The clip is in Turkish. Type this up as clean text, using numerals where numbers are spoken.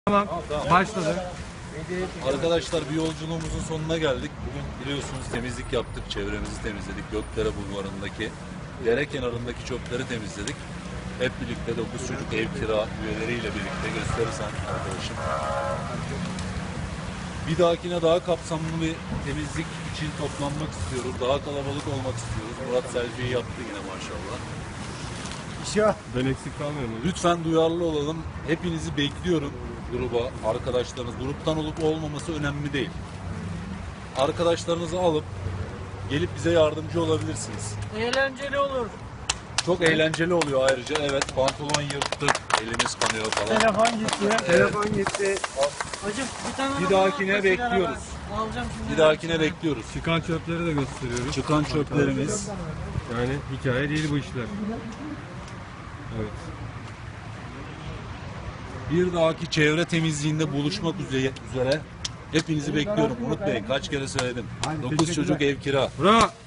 Tamam, başladı. Arkadaşlar bir yolculuğumuzun sonuna geldik. Bugün biliyorsunuz temizlik yaptık, çevremizi temizledik. Gökdere Bulvarı'ndaki dere kenarındaki çöpleri temizledik. Hep birlikte 9 çocuk ev kira üyeleriyle birlikte gösterirsen arkadaşım. Bir dahakine daha kapsamlı bir temizlik için toplanmak istiyoruz. Daha kalabalık olmak istiyoruz. Murat selfie'yi yaptı yine maşallah. Ben eksik kalmıyorum. Lütfen duyarlı olalım. Hepinizi bekliyorum gruba, arkadaşlarınız. Gruptan olup olmaması önemli değil. Arkadaşlarınızı alıp gelip bize yardımcı olabilirsiniz. Eğlenceli olur. Çok eğlenceli oluyor ayrıca. Evet, pantolon yırttık, elimiz kanıyor falan. Telefon gitti. Telefon gitti. Hacım bir tane Bir bana dahakine al, mesela bekliyoruz. ben alacağım şimdi. Bir dahakine bekliyoruz. Çıkan çöpleri de gösteriyoruz. Çıkan çöplerimiz. Yani hikaye değil bu işler. Evet. Bir dahaki çevre temizliğinde buluşmak üzere hepinizi bekliyorum. Unutmayın, kaç kere söyledim. 9 çocuk ev kira. Bravo.